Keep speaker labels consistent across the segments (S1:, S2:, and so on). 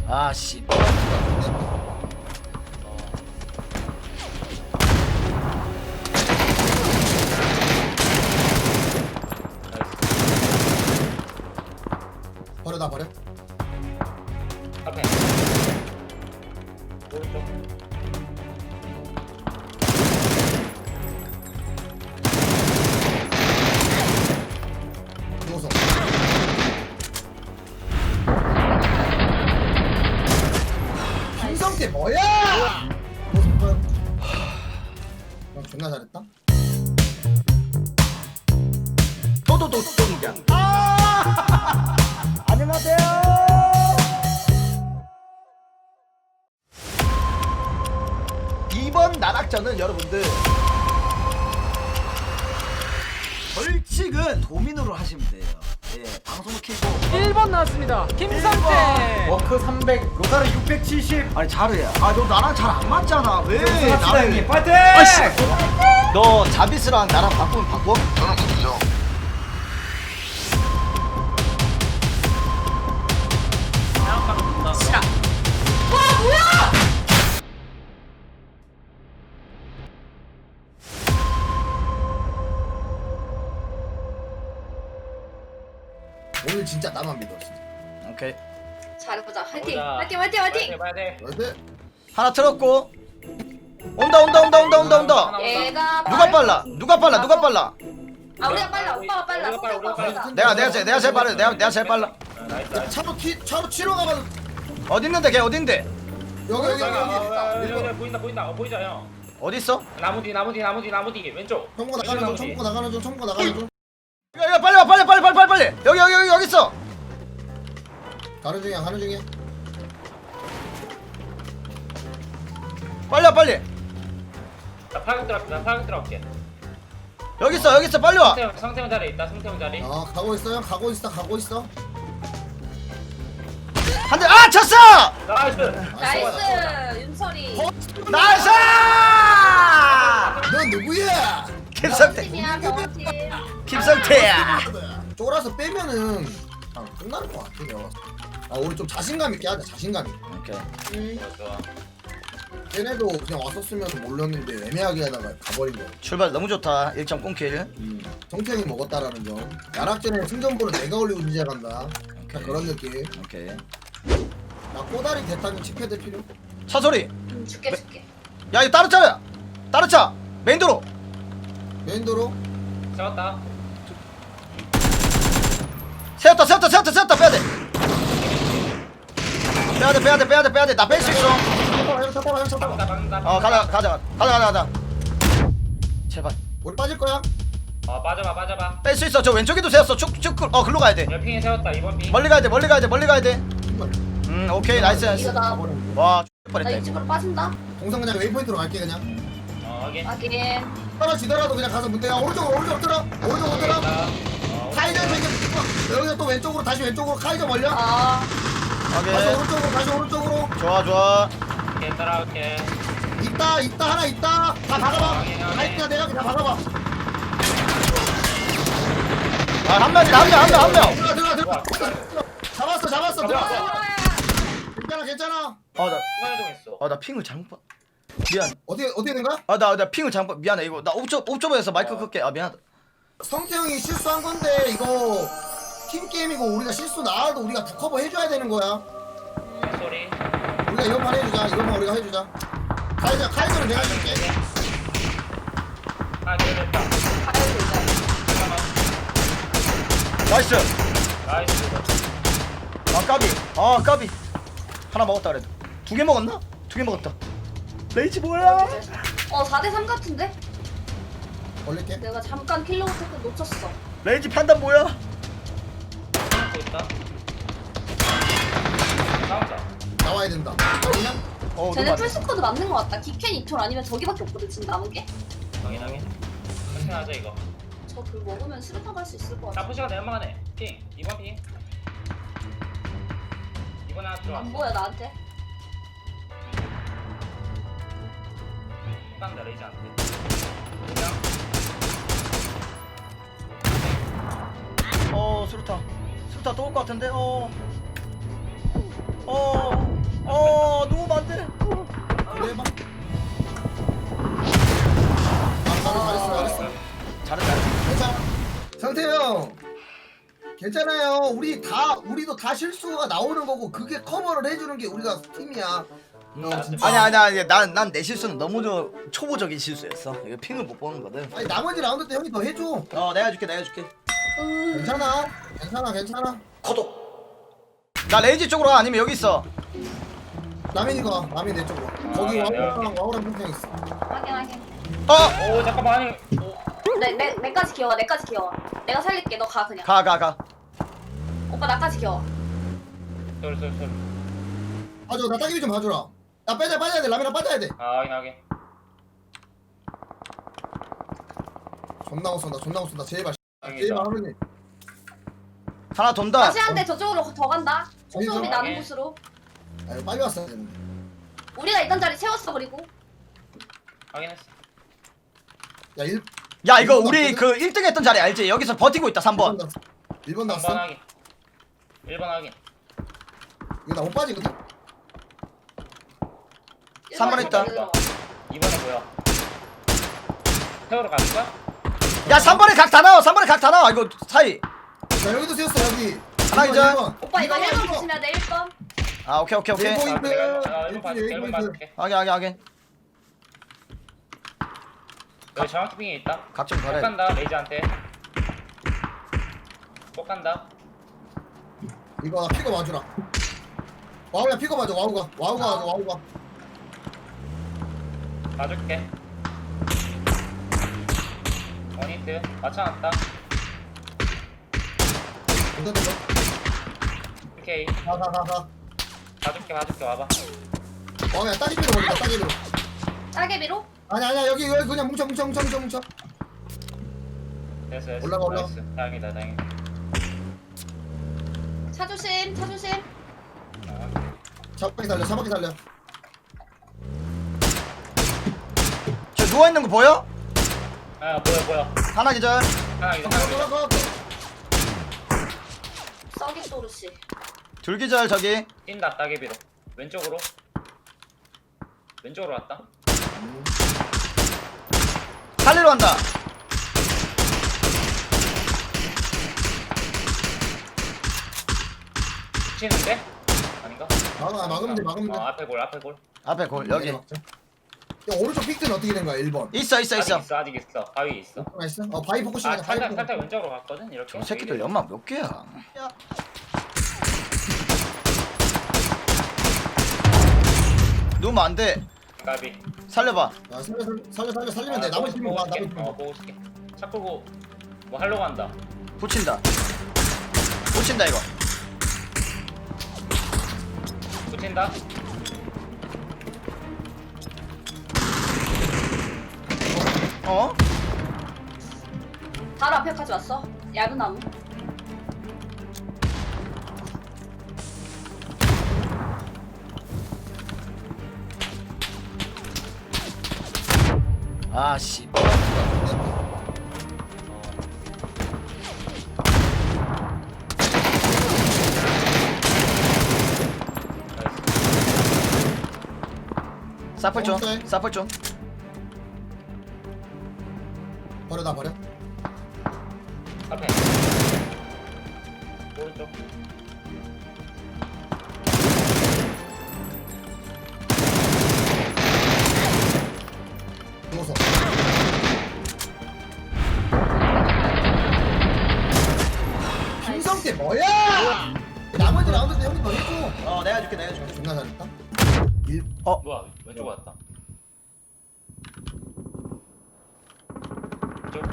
S1: 아씨.
S2: 버려 나 버려.
S3: 앞에. 오른쪽.
S2: 누워서. 김성태 뭐야? 존나 잘했다.
S1: 또또또또이야. 안녕하세요. 이번 나락전은 여러분들 벌칙은 도민으로 하시면 돼요. 예, 방송을 켜고
S4: 1번 나왔습니다. 김성태.
S5: 워크 300, 로사르 670.
S1: 아니 잘해. 아 너 나랑 잘 안 맞잖아. 왜?
S5: 합시다 형님. 파이팅!
S1: 아씨. 너 자비스랑 나랑 바꾸면 바꿔?
S2: 저는 바꾸죠.
S4: 시작.
S2: 오늘 진짜 나만 믿어. 진짜.
S1: 오케이.
S6: 잘해보자. 화이팅!
S3: 가보자.
S6: 화이팅! 화이팅! 화이팅!
S3: 봐야 돼.
S2: 그런데
S1: 하나 틀었고. 온다.
S6: 얘가
S1: 누가 빨라? 누가 빨라? 누가 빨라?
S6: 아 우리가 빨라. 오빠가 빨라.
S3: 우리가 빨라, 우리가 빨라.
S1: 내가 제일 빨라. 내가 제일 빨라.
S3: 나이스.
S2: 차로 치러 가봐.
S1: 어디 있는데? 걔 어디 있는데?
S2: 여기.
S3: 여기 보인다. 보이죠 형.
S1: 어디 있어?
S3: 나무 뒤 왼쪽.
S2: 청구 나가는 중. 청구 나가는 중.
S1: 야, 빨리 와. 빨리. 여기 있어.
S2: 가는 중이야.
S1: 빨리 와, 빨리.
S3: 나 파격 들어갈게.
S1: 여기 있어. 빨리 와.
S3: 성태형 자리 있다. 성태형 자리.
S2: 가고 있어. 가고 있어.
S1: 한 대. 아, 쳤어!
S3: 나이스.
S6: 나이스! 윤설이.
S1: 나이스!
S2: 넌 누구야?
S1: 김성태.
S6: 팀이야, 병원팀.
S1: 김성태야.
S2: 쫄아서 빼면은 끝나는 것 같아. 내가. 우리 좀 자신감 있게 하자. 자신감 있게.
S1: 오케이.
S3: 좋아.
S2: 얘네도 그냥 왔었으면 몰랐는데 애매하게 하다가 가버린 거야.
S1: 출발 너무 좋다. 1점 꽁킬.
S2: 성태형이 먹었다라는 점. 야락전에 승전보는 내가 올리고 인지해간다. 그런 느낌.
S1: 오케이.
S2: 나 꼬다리 대탄이 칩해될 필요.
S1: 차 소리.
S6: 줄게.
S1: 야, 이거 다른 차. 메인도로.
S2: 메인도로.
S3: 잡았다.
S1: 세웠다. 빼야 돼. 나 뺄 수 있어.
S2: 형 잡아.
S1: 가자. 제발.
S2: 우리 빠질 거야.
S3: 빠져봐.
S1: 뺄 수 있어. 저 왼쪽에도 세웠어. 쭉. 글로 가야 돼.
S3: 옆핑에 세웠다. 이번 핑.
S1: 멀리 가야 돼. 오케이. 나이스.
S6: 이거다.
S1: 와,
S6: 나
S1: 뻔했다.
S6: 이쪽으로 빠진다.
S2: 동상 그냥 웨이포인트로 갈게 그냥.
S3: 확인.
S6: 확인.
S2: 떨어지더라도 그냥 가서 문대야 오른쪽으로 들어. 카이저 저기 여기서 또 왼쪽으로 다시 왼쪽으로 카이저 멀려. 다시
S1: 오케이.
S2: 오른쪽으로.
S1: 좋아.
S3: 오케이, 따라올게.
S2: 있다 하나 있다. 다 박아봐. 카이저 내가 그냥 박아봐.
S1: 아, 한 명.
S2: 들어가. 잡았어. 괜찮아.
S1: 나 핑을 잘못 봐. 미안.
S2: 어떻게 된 거야?
S1: 나 핑을 잘못 봐. 미안해. 이거 나 옵저버에서 마이크 끌게. 아, 미안하다.
S2: 성태형이 실수한 건데 이거 팀 게임이고 우리가 실수 나와도 우리가 북커버 해줘야 되는 거야.
S3: 소리.
S2: 우리가 이것만 우리가 해주자. 카이저는 내가 해줄게.
S3: 됐다.
S6: 가야 되자.
S1: 나이스.
S3: 나이스.
S1: 까비. 하나 먹었다 그래도. 2개 먹었나? 2개 먹었다. 레이지 뭐야?
S6: 4대3 같은데?
S2: 올릴게.
S6: 내가 잠깐 킬로그 테크 놓쳤어.
S1: 레이지 판단 뭐야?
S3: 또 있다. 나왔다.
S2: 나와야 된다. 아니야?
S6: 쟤네 풀스쿼드 맞는 거 같다. 기켄 이톨 아니면 저기밖에 없거든 지금 남은 게.
S3: 확인. 천천히 하자 이거.
S6: 저 불 먹으면 수류탄 갈 수 있을 것 같아.
S3: 나쁘시가 내만하네. 핑. 이번 핑. 이번 하나 들어왔어.
S6: 안 보여 나한테.
S3: 딱 내리지 않대.
S1: 수류탄 또 올 것 같은데.
S2: 괜찮아요. 우리도 다 실수가 나오는 거고 그게 커버를 해주는 게 우리가 팀이야. 진짜.
S1: 아니야 난 내 실수는 너무 초보적인 실수였어. 이거 핑을 못 보는 거든.
S2: 아니 나머지 라운드 때 형이 더 해줘.
S1: 내가 줄게.
S2: 괜찮아.
S1: 구독. 나 레이지 쪽으로 가 아니면 여기 있어.
S2: 남인이 내 쪽으로. 거기
S3: 네,
S2: 와우랑 평평 있어.
S6: 확인.
S3: 오 잠깐만 아니. 오.
S6: 내까지 기어와. 내가 살릴게. 너 가 그냥.
S1: 가.
S6: 오빠 나까지 기어와.
S3: 쏠.
S2: 봐줘. 나 따기비 좀 봐줘라. 야 빠져야 돼. 라미랑 빠져야 돼.
S3: 아 확인.
S2: 존나 못 쏜다. 제발
S3: 여기다.
S2: 하루님.
S1: 하나 돈다.
S6: 다시 한 대 저쪽으로 더 간다. 소음이 나는
S3: 오케이.
S6: 곳으로.
S2: 아 빨리 왔어야 되는데.
S6: 우리가 있던 자리 채웠어 그리고.
S3: 확인했어.
S2: 야
S1: 야 이거
S2: 일본
S1: 우리
S2: 났거든?
S1: 그 1등 했던 자리 알지? 여기서 버티고 있다 3번.
S2: 1번
S3: 3번
S2: 났어.
S3: 확인. 1번 확인.
S2: 이거 나 못 빠지거든.
S1: 3번 했다.
S3: 2번에 뭐야? 태우러 갈 거야?
S1: 야 3번에 각 다 나와. 이거 사이.
S2: 자 여기도 세웠어 여기.
S1: 하나 기절.
S6: 오빠 이거 1번 조심해야 돼 1번.
S1: 아 오케이.
S2: 네,
S3: 아, 내가 1번
S2: 일본
S3: 봐줄게. 1번
S2: 포인트.
S3: 봐줄게.
S1: 확인.
S3: 여기 정확히 빙에 있다.
S1: 각 좀
S3: 꼭
S1: 가래.
S3: 간다 레이저한테. 꼭 간다.
S2: 이거 나 픽업 와주라. 와우야 픽업 와줘. 와우가 와줘.
S3: 봐줄게. 원히트 맞춰놨다.
S2: 일단 좀
S3: 오케이.
S2: 가.
S3: 봐줄게 와봐.
S2: 와우야 따기비로 버린다. 따기비로.
S6: 따개비로?
S2: 아니야 여기 그냥 뭉쳐.
S3: 됐어.
S2: 올라가.
S3: 나이스. 다행이다.
S6: 차 조심.
S2: 차바퀴 살려.
S1: 저 누워있는 거 보여?
S3: 아 뭐야.
S1: 하나 기절.
S3: 하나 이거.
S2: 가.
S6: 썩이 소르씨.
S1: 둘 기절 저기.
S3: 뛴다 따개비로. 왼쪽으로 왔다.
S1: 살리러 간다.
S3: 붙이는데? 아닌가?
S2: 막으면 돼.
S3: 앞에 골.
S1: 앞에 골 여기.
S2: 야 오른쪽 픽트는 어떻게 된 거야 1번?
S1: 있어.
S3: 아직 있어. 바위 있어.
S2: 나이스. 바위 포커싱이야. 바위
S3: 살짝
S2: 포커싱.
S3: 왼쪽으로 갔거든. 이렇게.
S1: 저 새끼들 연막 몇 개야? 누우면 안 돼.
S3: 가비.
S1: 살려봐.
S2: 야 살리면 돼. 나머지 팀 봐. 나머지 팀 봐.
S3: 보고 있을게. 차 끌고 뭐 하려고 한다.
S1: 붙인다 이거.
S3: 붙인다.
S1: 어?
S6: 바로 앞에까지 왔어. 얇은 나무.
S1: 아 씨. 사플 좀.
S2: 버려.
S3: 앞에. 오른쪽.
S2: 누워서. 김성태 뭐야? 나머지 라운드 때 형이 더 해줘.
S1: 내가 줄게.
S2: 존나 잘했다.
S3: 뭐야? 왼쪽 왔다. 쪽.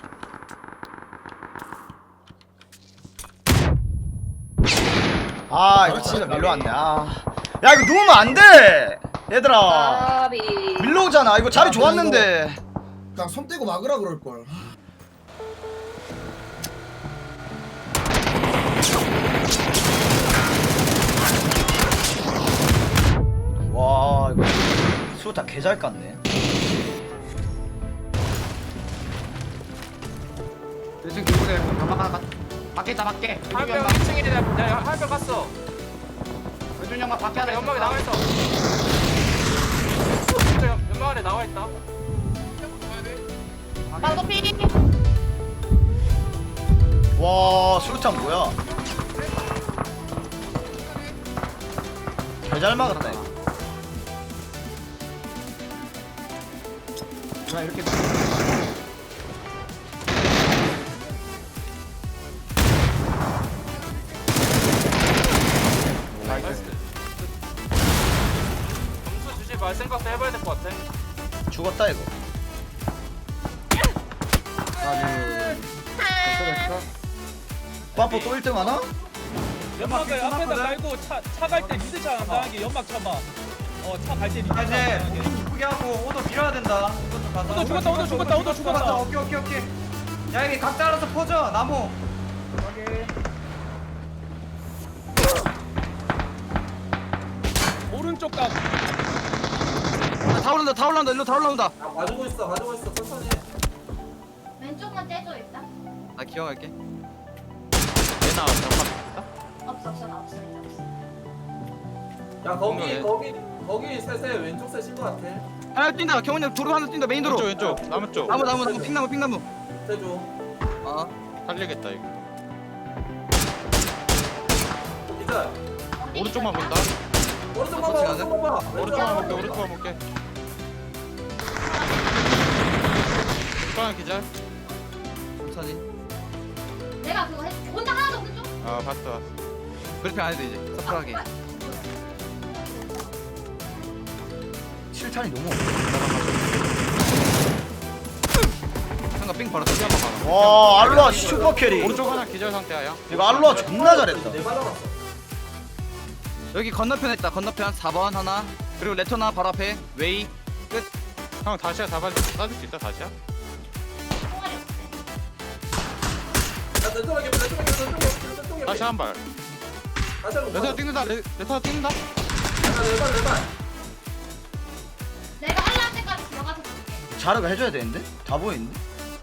S1: 아 이거 진짜 밀러 왔네. 야 이거 누우면 안 돼. 얘들아.
S6: 까비.
S1: 밀러 오잖아. 이거 자리 좋았는데.
S2: 그냥 손 떼고 막으라 그럴 걸.
S1: 와 이거 수타 개잘 깠네.
S5: 대충 기분에 연막 하나 밖에 있다 밖에.
S4: 한명 2층에 내가 한명 갔어.
S5: 왼쪽 연막 밖에 하나
S4: 연막에 나와 있어. 진짜 연막 안에 나와 있다.
S6: 나도 삐.
S1: 와 수류탄 뭐야? 잘 막았다.
S5: 자 이렇게
S4: 점수 주지 말 생각도 해봐야 될 것 같아.
S1: 죽었다 이거. 빠뽀 또 1등 하나?
S7: 연막을 앞에다 깔고 차 갈 때 미드 차안 당하게 연막 쳐봐. 차 갈 때 미드 차안 당하게.
S5: 이쁘게 하고 오더 밀어야 된다.
S7: 오더 죽었다, 오더 죽었다, 오더 죽었다.
S5: 오케이. 야 여기 각자 알아서 퍼져 나무.
S7: 오른쪽 각.
S5: 다 올라온다 일로 다 올라온다.
S8: 가지고 있어 천천히.
S6: 왼쪽만 떼줘 일단.
S5: 나 기억할게.
S4: 얘나
S6: 없어 나 없어 일단 없어.
S8: 야 거기 셋에 왼쪽 셋인 것 같아.
S5: 하나 뛴다. 경훈이 형 도로 하나 뛴다. 메인 도로.
S4: 왼쪽 나무 쪽.
S5: 나무 핑나무.
S8: 세줘.
S5: 아
S4: 살리겠다 이거.
S8: 기자.
S4: 오른쪽만 본다.
S8: 오른쪽
S5: 같이
S8: 봐봐.
S5: 가자.
S4: 오른쪽만 볼게. 뚜껑 기절.
S5: 천천히.
S6: 내가 그거 해줄게. 혼자 하나도 없는 쪽.
S4: 아 봤어.
S5: 그렇게 안 해도 이제 서프하게.
S1: 7탄이 너무
S5: 상가 삥 바로 터지 한번 가.
S1: 와 알로아 슈퍼 캐리.
S4: 오른쪽 하나 기절 상태야 형.
S1: 이거 알로아 존나 잘했다.
S8: 네 받아봤어.
S5: 여기 건너편에 있다. 건너편 4번 하나. 그리고 레토나 바로 앞에 웨이.
S4: 형 다시야 쏴줄 수 있다 다시야?
S6: 총알이 없어.
S8: 야 왼쪽에.
S4: 다시 한 발.
S8: 다시 한번.
S4: 레터 찍는다. 레터 찍는다.
S8: 내발.
S6: 내가 할라 할 때까지 들어가서 볼게.
S1: 자르가 해줘야 되는데? 다 보이는데?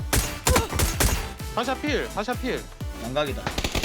S4: 다시야 필.
S1: 양각이다.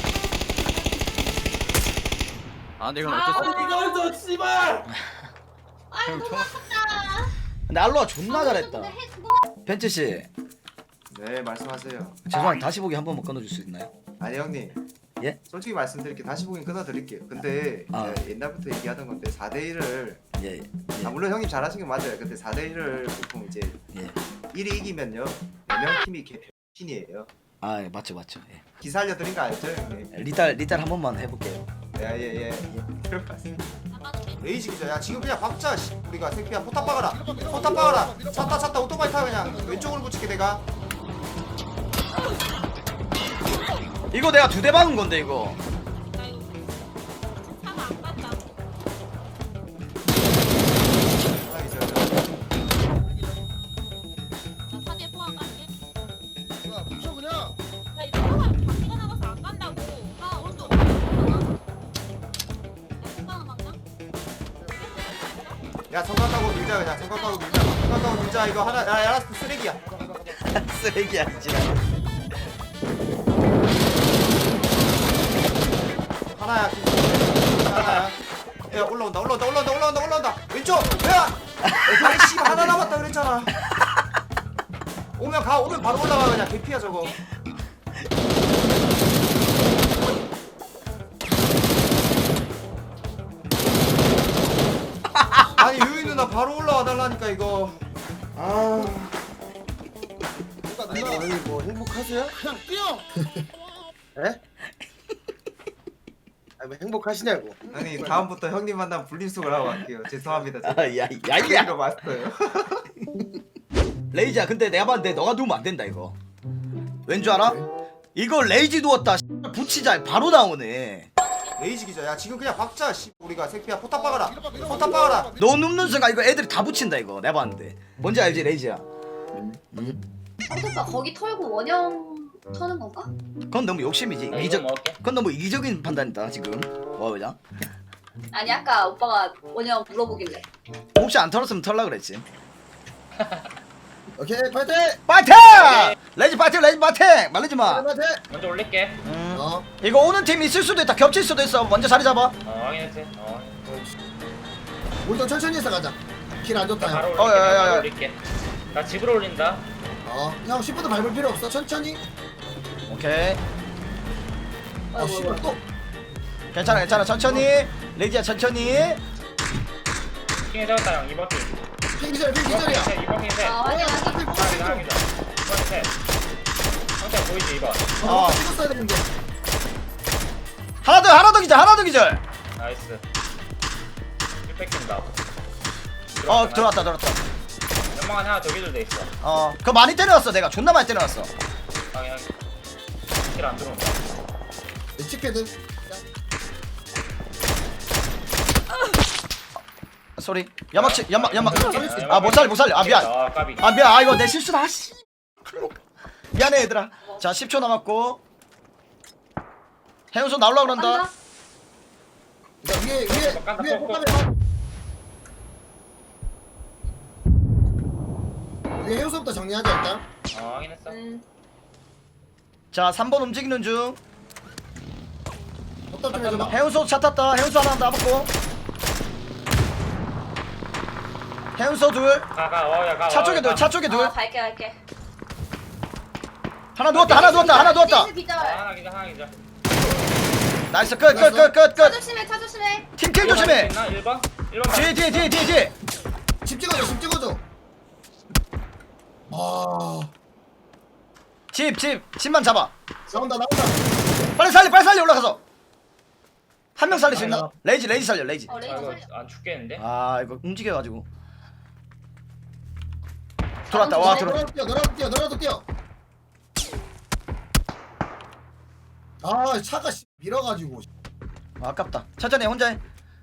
S5: 아 근데 이건 어쩔 수 없어.
S8: 이걸 줘 씨발.
S6: 아유 너무 아깝다.
S1: 근데 알로아 존나 잘했다.
S6: 근데 해주고
S1: 벤츠 씨,
S9: 네 말씀하세요.
S1: 죄송한데 다시 보기 한 번만 끊어줄 수 있나요?
S9: 아니 형님.
S1: 예?
S9: 솔직히 말씀드릴게요. 다시 보긴 끊어드릴게요. 근데
S1: 아.
S9: 제가 옛날부터 얘기하던 건데 4대1을
S1: 예.
S9: 물론 형님 잘하신 게 맞아요. 근데 4대1을 보통 이제
S1: 예.
S9: 1이 이기면요 4명 팀이 개편이에요.
S1: 아 예, 맞죠. 예.
S9: 기사 알려드린 거 알죠 형님?
S1: 리딸 한 번만 해볼게요.
S9: 예예예. 들어봤습니다. 레이지 기자 야 지금 그냥 박자 씨. 우리가 새끼야 포탑 박아라. 찼다 오토바이 타 그냥 왼쪽으로 붙일게 내가.
S1: 이거 내가 2대 박은 건데 이거.
S9: 하나 기자. 야 성각하고 밀자 그냥 성각하고 밀자 이거 하나 야 알았어 쓰레기야.
S1: 쓰레기야 진짜.
S9: 하나야 야 올라온다 왼쪽 야 아이 씨 하나 남았다 그랬잖아. 오면 바로 올라가 그냥 개피야 저거. 아니 유이 누나 바로 올라와 달라니까 이거. 아
S2: 아니 뭐 행복하세요? 그냥 뛰어. 에? 아니 뭐 행복하시냐고.
S9: 아니 다음부터 형님 만나면 분리수거를 하고 갈게요. 죄송합니다.
S1: 야야
S9: 이거 맞어요.
S1: 레이지야 근데 내가 봤는데 너가 누우면 안 된다 이거. 왠 줄 알아? 이거 레이지 누웠다 붙이자 바로 나오네.
S9: 레이지 기자 야 지금 그냥 박자 씨. 우리가 새끼야 포탑 박아라.
S1: 너 눕는 순간 이거 애들이 다 붙인다 이거 내가 봤는데. 뭔지 알지 레이지야?
S6: 오빠 거기 털고 원형 터는 건가?
S1: 그건 너무 욕심이지.
S3: 나 이거 먹을게.
S1: 그건 너무 이기적인 판단이다 지금. 뭐 그냥?
S6: 아니 아까 오빠가 원형 물어보길래.
S1: 혹시 안 털었으면 털라 그랬지.
S2: 오케이 파이팅.
S1: 파이팅! 레이지 파이팅 말리지 마.
S2: 파이팅.
S3: 먼저 올릴게.
S1: 이거 오는 팀 있을 수도 있다. 겹칠 수도 있어. 먼저 자리 잡아.
S3: 확인했지.
S2: 우리도 천천히 해서 가자. 길 안 좋다
S3: 바로
S2: 형.
S3: 올릴게.
S1: 야.
S3: 바로 올릴게. 나 집으로 올린다.
S2: 형 10분도 밟을 필요 없어. 천천히.
S1: 오케이.
S2: 아 씨발 또
S1: 괜찮아 괜찮아 천천히 레이지야 천천히.
S3: 킹에 잡았다 형 2번 킹
S2: 핑기절 핑기절이야
S3: 2번 킹 셋.
S6: 아 확인 확인.
S3: 하기자 2번 셋. 형태 보이지 2번.
S1: 어.
S2: 찍었어야 되는데
S1: 하나 더 기절.
S3: 나이스. 1 뺏긴다.
S1: 들어왔다.
S3: 연막 하나 더 기절돼 있어.
S1: 그거 많이 때려놨어 내가 존나 많이 때려놨어.
S3: 방향. 킬안 들어온다.
S2: 치패드
S1: 소리. 연막.
S3: 아,
S1: 아 못 살려. 아 미안.
S3: 아 까비.
S1: 아 미안. 아 이거 내 실수다. 씨. 미안해 얘들아. 자 10초 남았고. 해운소 나올라 그런다.
S6: 간다.
S2: 위에 폭감해 위에 해우소부터 정리하자 일단
S3: 확인했어.
S1: 자 3번 움직이는 중.
S2: 어떤 좀 해줘봐
S1: 해운소 차 탔다. 해운소 하나 남았고. 해운소 둘.
S3: 가.
S1: 차 쪽에 둘.
S6: 갈게.
S1: 하나 누웠다.
S6: 삐스 기절.
S3: 하나 기절.
S1: 나이스 끝.
S6: 차 조심해.
S1: 팀킬 조심해.
S3: 1번?
S1: 뒤에.
S2: 집 찍어줘
S1: 집만 잡아.
S2: 나온다
S1: 빨리 살려 올라가서. 한 명 살릴 수 있나? 레이지 살려. 레이지.
S6: 레이저
S3: 이거
S6: 살려.
S3: 안 죽겠는데?
S1: 아 이거 움직여가지고. 들어왔다. 와 들어.
S2: 너라도 뛰어 아 차가 밀어가지고
S1: 아깝다. 천천히 해, 혼자 해.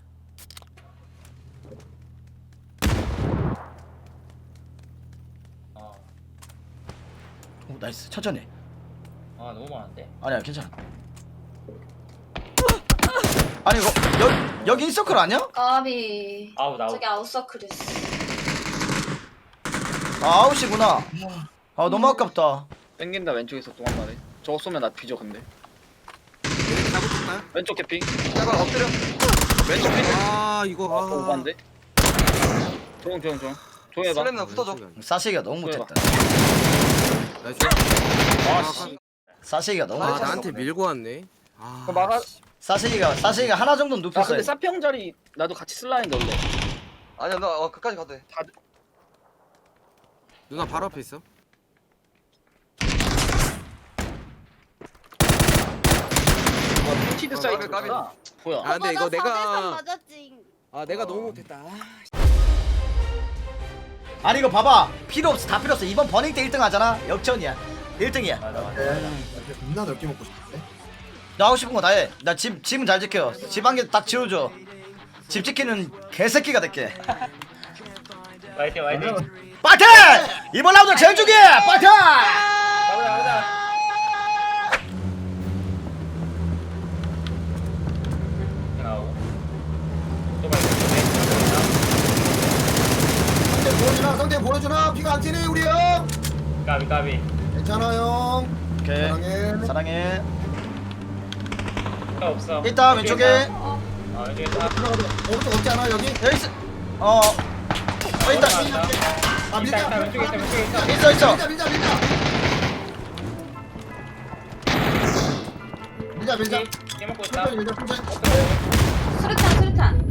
S1: 오 나이스. 천천히 해.
S3: 너무 많은데?
S1: 아니야 괜찮아. 아니 이거 여기 인서클 아니야?
S6: 까비.
S3: 아우 나우.
S6: 저기 아웃서클이었어.
S1: 아 아웃이구나. 아 너무 아깝다.
S5: 땡긴다 왼쪽에서 또 한 마리. 저거 쏘면 나 뒤져 근데. 왼쪽 개피. 잠깐 엎드려. 왼쪽 피.
S7: 아 이거
S5: 오반데. 조용. 조용해봐.
S7: 슬램나 붙어줘.
S1: 사시기가 너무 못했다. 사시기가 너무 못했다.
S7: 나한테 밀고 왔네. 아.
S5: 막아.
S1: 사시기가 하나 정도는
S5: 나
S1: 눕혔어요.
S5: 근데 사평 자리 나도 같이 쓸라 했는데 원래.
S7: 아니야 너 끝까지 가도 돼. 누나 바로 앞에 있어.
S5: 티드 사이트 뭐야?
S7: 아 근데 이거 내가
S6: 맞았지.
S7: 내가 너무 못했다.
S1: 아니 이거 봐봐. 필요 없어. 다 필요 없어. 이번 버닝 때 1등 하잖아. 역전이야. 1등이야.
S2: 겁나 넓게 먹고 싶은데
S1: 나 하고 싶은 거 다 해. 나 집은 잘 지켜. 집 한 개 딱 지워줘. 집 지키는 개새끼가 될게.
S3: 화이팅.
S1: 파이팅! 이번 라운드 제일 중요해. 파이팅!
S3: 가보자. 나오고. 또
S2: 상대 보여주나 피가 안 튀네 우리 형
S3: 까비.
S2: 괜찮아 형
S1: 오케이.
S2: 사랑해
S1: 사랑해.
S3: 없어.
S1: 일단 왼쪽에
S3: 왼쪽에 다.
S2: 오른쪽 없지 않아 여기?
S1: 여기 있어. 있다.
S2: 아 밀자
S3: 왼쪽에 있어.
S1: 있어.
S2: 밀자
S3: 깨 먹고 있다.
S2: 천천히 밀자 천천히
S6: 수류탄.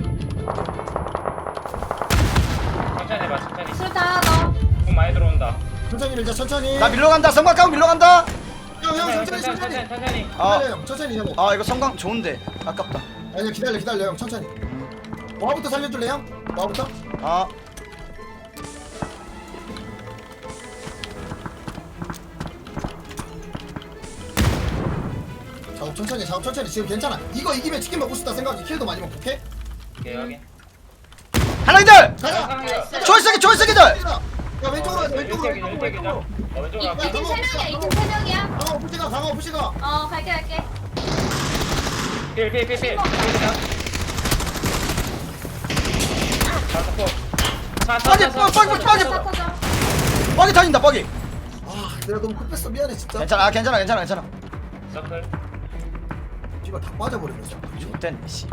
S3: 천천히 해봐.
S6: 수류탄 하나 더.
S3: 공 많이 들어온다.
S2: 천천히 밀자 천천히
S1: 나 밀러 간다. 성광 까고 밀러 간다.
S2: 형 천천히 천천히 형
S1: 이거 성광 좋은데 아깝다.
S2: 아니 기다려 형 천천히 와부터 살려줄래 형? 와부터? 작업 천천히 지금 괜찮아 이거 이기면 치킨 먹고 싶다 생각이 킬도 많이 먹고 오케이?
S3: 오케이 확인.
S1: 하나이들.
S2: 가자
S1: 조이스기들.
S2: 야 왼쪽으로 가자 왼쪽으로
S3: 왼쪽으로
S6: 이팀
S3: 갈게.
S6: 3명이야. 이팀 3명이야.
S2: 강호 푸시가
S6: 갈게.
S3: 필.
S1: 뻑이
S6: 터져.
S1: 뻑이 터진다. 뻑이.
S2: 아 내가 너무 급했어 미안해 진짜
S1: 괜찮아.
S3: 서클.
S2: 씨발 다 빠져버리네 진짜
S1: 좋댄 씨.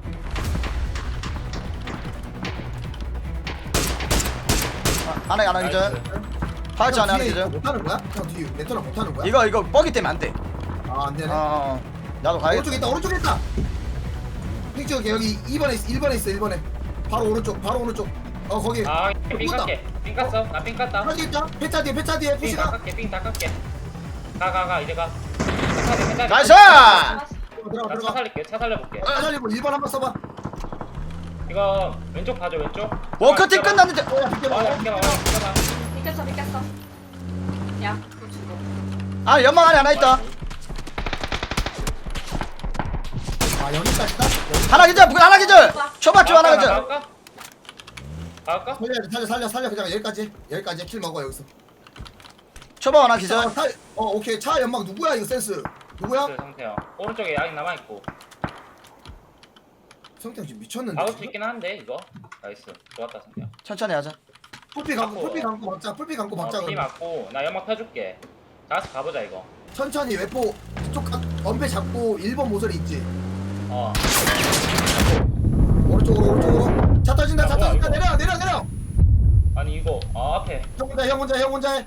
S1: 하나 기절. 파이치 안에 하나
S2: 뒤에
S1: 기절.
S2: 못하는 거야? 형 뒤에 레터나 못하는 거야?
S1: 이거 뻑이 때문에 안 돼.
S2: 아 안되네
S1: 나도 가야겠다.
S2: 오른쪽에 있다 오른쪽에 있다. 핑 찍을게. 여기 2번에 있어 1번에. 바로 오른쪽 거기.
S3: 아삥 깎게. 삥 깠어. 나삥 깠다.
S2: 하나 있다. 폐차 뒤에
S3: 삥
S2: 푸시가.
S3: 다 깎게. 삥 다 깎게. 가 이제 가. 차
S1: 나이스!
S2: 들어가.
S3: 차 살릴게. 차 살려볼게.
S2: 살리고 1번 한번 써봐.
S3: 이거 왼쪽 봐줘 왼쪽.
S1: 워커팀 끝났는데.
S2: 야 비켜봐.
S3: 비켜봐.
S6: 비켰어. 야, 그거 주고.
S1: 아 연막 안에 하나 있다.
S2: 아 여기까지다.
S1: 하나 기절. 초밥집 하나 기절.
S3: 갈까?
S2: 살려 그냥 여기까지 킬 먹어 여기서.
S1: 초밥 하나 기절.
S2: 오케이 차 연막 누구야 이거 센스 누구야?
S3: 그 상태야. 오른쪽에 아직 남아 있고.
S2: 성태 지금 미쳤는데.
S3: 막을 수 있긴 한데 이거. 나이스. 좋았다 상태야.
S1: 천천히 하자.
S2: 풀피 감고 박자. 풀피 감고 박자.
S3: 피 맞고 나 연막 펴줄게. 다시 가보자 이거.
S2: 천천히 외포 쪽 엄폐 잡고 1번 모서리 있지. 오른쪽으로. 차 터진다. 내려.
S3: 아니 이거 앞에.
S2: 형 혼자 해.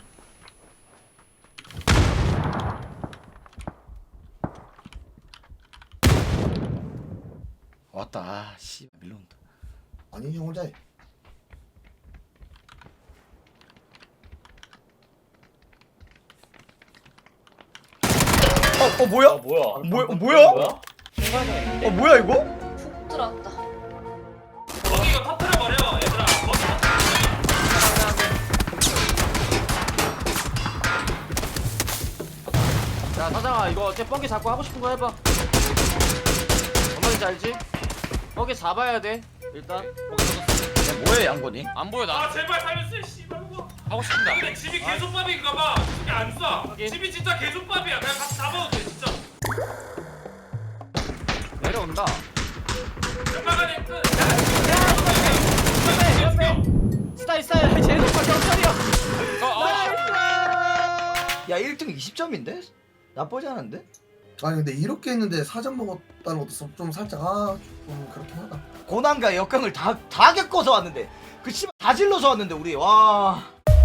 S1: 왔다. 아, 씨 밀려온다.
S2: 아니 형 혼자 해.
S1: 뭐야?
S3: 뭐야? 신발장 있는데?
S1: 뭐야 이거?
S6: 푹 들어왔다.
S4: 거기 이거 터트려버려 얘들아.
S5: 야 사장아 이거 어째 뻥기 잡고 하고 싶은 거 해봐. 뭔 말인지 알지? 뻥기 잡아야 돼 일단.
S1: 뭐해 양곤이?
S5: 안 보여
S4: 아
S5: 나.
S4: 제발 살려주세요 씨발 거.
S5: 하고 싶은데 안
S4: 근데
S5: 돼.
S4: 집이 개족밥인가봐. 집이 안 쏴.
S5: 하긴.
S4: 집이 진짜 개족밥이야. 그냥 같이 잡아도 돼 진짜.
S5: 내려온다.
S4: 연막안에 끝.
S5: 스타일 제일 높아 경찰이야.
S1: 야 1등 20점인데? 나쁘지 않은데?
S2: 아니 근데 이렇게 했는데 4점 먹었다는 것도 좀 살짝 좀 그렇긴 하다.
S1: 고난과 역경을 다 겪어서 왔는데 그 씨발 다 질러서 왔는데 우리 와.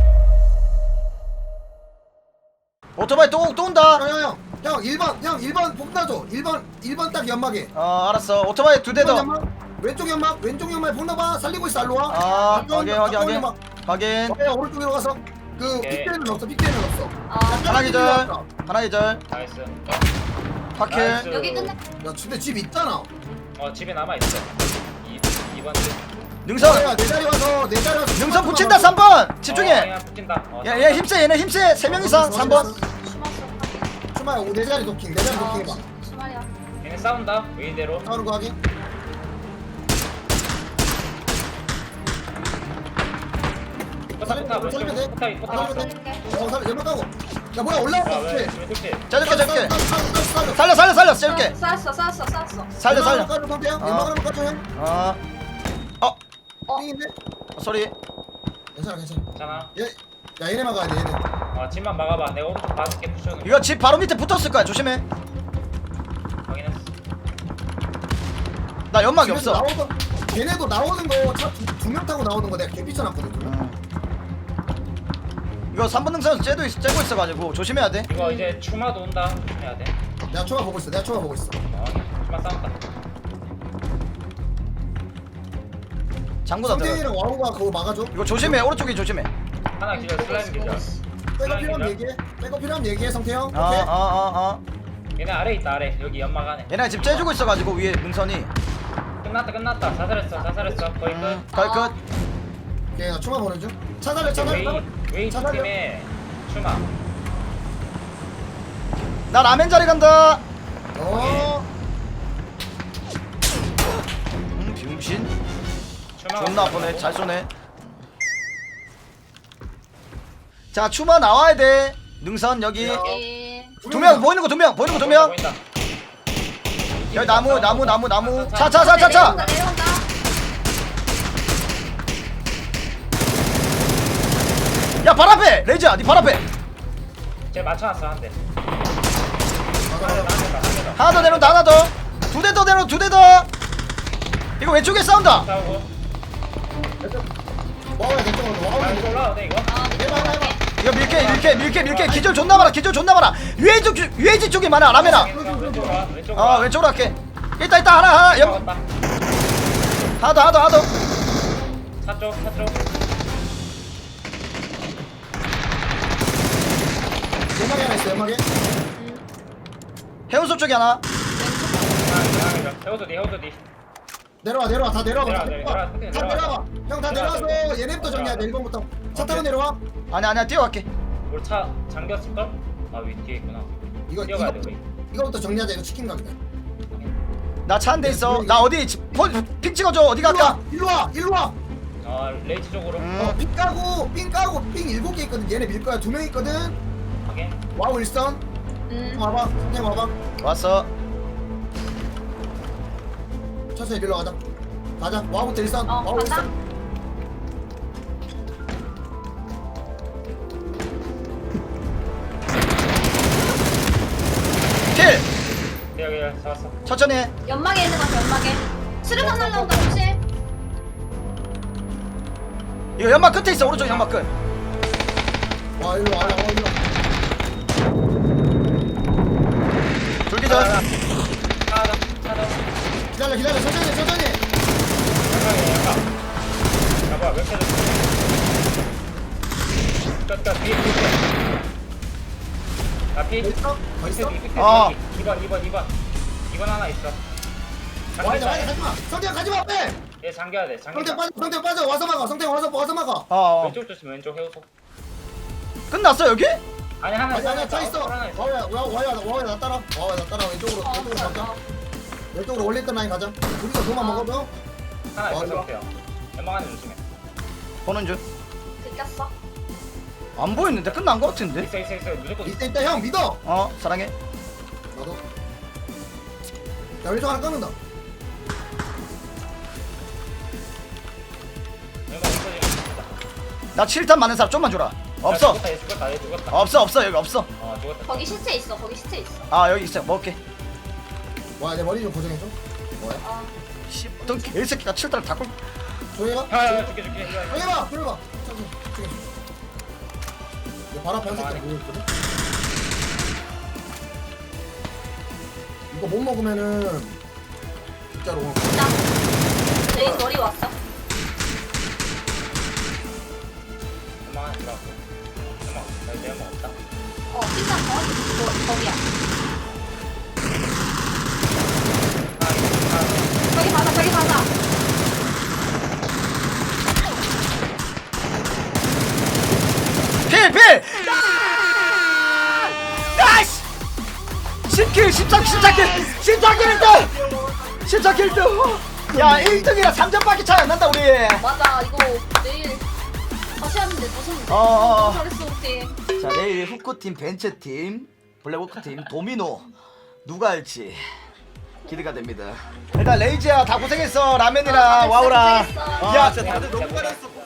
S1: 오토바이 또 온다.
S2: 형 1번 폭 놔줘. 1번 딱 연막에.
S1: 알았어. 오토바이 2대 더.
S2: 왼쪽 연막에 폭 놔봐. 살리고 있어 알로 와.
S1: 확인.
S2: 오른쪽으로 가서 그
S3: 오케이.
S2: 빅대는 없어.
S1: 하나 기절.
S3: 나이스.
S1: 파킬.
S3: 나이스.
S6: 여기 끝내.
S2: 야 근데 집 있잖아.
S3: 집에 남아 있어. 2번 집.
S1: 능선.
S2: 야, 내 자리 와서
S1: 능선 붙인다 3번. 집중해.
S3: 그냥 붙인다.
S1: 얘 힘세. 얘네 힘세. 3명 이상 3번.
S6: 추마스.
S2: 추마야 내 자리 도킹 해봐.
S6: 추마야.
S3: 얘네 싸운다. 웨이대로.
S2: 싸우는 거 하긴.
S3: 포탑
S2: 살리면 돼.
S3: 포탑 왔어.
S2: 살려 연막 가고. 야 뭐야 올라왔다.
S3: 왜
S2: 어떻게?
S3: 왼쪽
S1: 짜줄게.
S2: 살려.
S1: 살려. 쏠게.
S6: 쐈어.
S1: 살려.
S2: 까줘 성태야. 연막 하나 까줘 형. 띵인데?
S1: 소리.
S2: 괜찮아.
S3: 괜찮아.
S2: 야 얘네 막아야 돼 얘네.
S3: 집만 막아봐. 내가 오른쪽 봐줄게. 푸셔는.
S1: 이거 집 바로 밑에 붙었을 거야. 조심해.
S3: 확인했어.
S1: 나 연막이 없어.
S2: 걔네도 나오는 거 차 두 명 타고 나오는 거 내가 개비쳐놨거든.
S1: 이거 3번 능선 째고 있어가지고 조심해야 돼.
S3: 이거 이제 추마도 온다. 조심해야 돼.
S2: 내가 초가 보고 있어.
S3: 추마 싸운다.
S1: 장구다 들어.
S2: 성태이랑 와우가 그거 막아줘.
S1: 이거 조심해. 오른쪽에 조심해.
S3: 하나 기절. 슬라임 기절.
S2: 백업 필요하면 얘기해 성태 형. 오케이.
S3: 얘네 아래 있다. 아래. 여기 연막 안에.
S1: 얘네 집 째주고 있어가지고 위에 능선이.
S3: 끝났다. 자살했어. 거의 끝.
S1: 거의 끝.
S2: 오케이 나 초가 보는 중. 차달래.
S3: 웨이 팀의 추마.
S1: 나 라멘 자리 간다. 병신.
S3: 추마.
S1: 존나 아프네. 잘 쏘네. 자 추마 나와야 돼. 능선 여기.
S6: 여기.
S1: 2명 보이는 거 2명.
S3: 보인다.
S1: 여기 나무. 차.
S6: 내려온다.
S1: 야 발 앞에. 레이즈야 니 발 앞에.
S3: 쟤 맞춰놨어 한 대.
S1: 하나 더 내려온다. 하나 더. 2대 더 내려. 2대 더. 이거 왼쪽에 싸운다.
S3: 싸우고.
S2: 와우야 괜찮아.
S3: 아 이거 올라와도 돼 이거?
S6: 밑에
S2: 해봐.
S1: 이거 밀게 기절 존나 많아 유해지 쪽에 많아 라메라.
S3: 왼쪽으로 와.
S1: 왼쪽으로 할게. 있다 하나 옆 하나 더.
S3: 차 쪽.
S2: 연막에 하나 있어 연막에.
S1: 해운소 쪽에 하나.
S3: 해우도 뒤.
S2: 내려와 다 내려와.
S3: 내려와.
S2: 다 내려와. 형 다 내려와서 얘네부터 정리해야 돼 1번부터. 차 타고 내려와.
S1: 아니야 뛰어갈게.
S3: 우리 차 잠겼을걸? 아 위 뒤에 있구나. 뛰어가야 돼 우리.
S2: 이거부터 정리하자. 이거 치킨 가게다.
S1: 나 차 한 대 있어. 나 어디 픽 찍어줘. 어디 갈까?
S2: 일로 와.
S3: 아 레이지 쪽으로.
S2: 삥 까고 삥 7개 있거든. 얘네 밀 거야. 2명 있거든.
S3: 확인.
S2: 와우 일선. 와봐. 그냥 와봐.
S1: 왔어.
S2: 천천히 밀러 가자. 와우부터 일선. 와우
S6: 간다.
S2: 일선.
S1: 킬.
S3: 여기 잡았어.
S1: 천천히 해.
S6: 연막에 있는 거 같아 연막에. 수류탄 날라온다 조심.
S1: 이거 연막 끝에 있어. 오른쪽 연막 끝.
S2: 와 일로 와.
S1: 돌기절.
S3: 차다.
S2: 기다려. 천천히.
S3: 잡아 몇 개. 끝 뒤에. 나 피.
S2: 있어? 더 있어?
S3: 2번 하나 있어.
S2: 와이자 가지마. 성태형 가지마 빼.
S3: 얘 잠겨야 돼.
S2: 성태형 빠져. 와서 막아. 성태형 와서 막아.
S3: 왼쪽 조심 왼쪽 해우소.
S1: 끝났어 여기?
S3: 아니 하나
S2: 아니야 차 있어.
S3: 하나 있어.
S2: 와야 나 따라. 왼쪽으로 가자. 왼쪽으로 올렸던 라인 가자. 우리가 그만 먹어도.
S3: 하나 있어
S2: 맞아.
S3: 상태야. 연막 안에 조심해.
S1: 보는 중.
S6: 들켰어.
S1: 안 보였는데 끝난 거 같은데?
S3: 있어 무조건 있어.
S2: 이때 형 믿어.
S1: 사랑해.
S2: 나도. 야 왼쪽 하나 끊는다.
S3: 연막 있어 지금.
S1: 나 7탄 많은 사람 좀만 줘라. 없어.
S3: 얘 죽었다.
S1: 없어 여기 없어.
S3: 죽었다.
S6: 거기 시체 있어.
S1: 여기 있어. 먹을게.
S2: 와 내 머리 좀 고정해줘.
S1: 씨 어떤 개새끼가 7탄을 다 걸.
S2: 조용해봐.
S3: 야 줄게.
S2: 조용해봐. 조용해봐. 바로 앞에 한 새끼 보고 있거든. 이거 못 먹으면은 진짜로.
S6: 나. 레인 머리 왔어.
S3: 연막 안에 들어갔고. 내 연막 없다.
S6: 피자 정확히 거기야. 저기 가자.
S1: 필! 나이스! 10킬 14킬 1등! 야 1등이라 3점밖에 차이 안 난다 우리.
S6: 맞아 이거 내일 다시 하는데 무슨
S1: 어어어.
S6: 잘했어 우리.
S1: 자 내일 후크팀 벤츠팀 블랙워크팀 도미노 누가 할지 기대가 됩니다. 일단 레이지야 다 고생했어. 라면이랑 와우랑.
S6: 고생했어.
S1: 야
S5: 진짜 다들 너무 잘했어.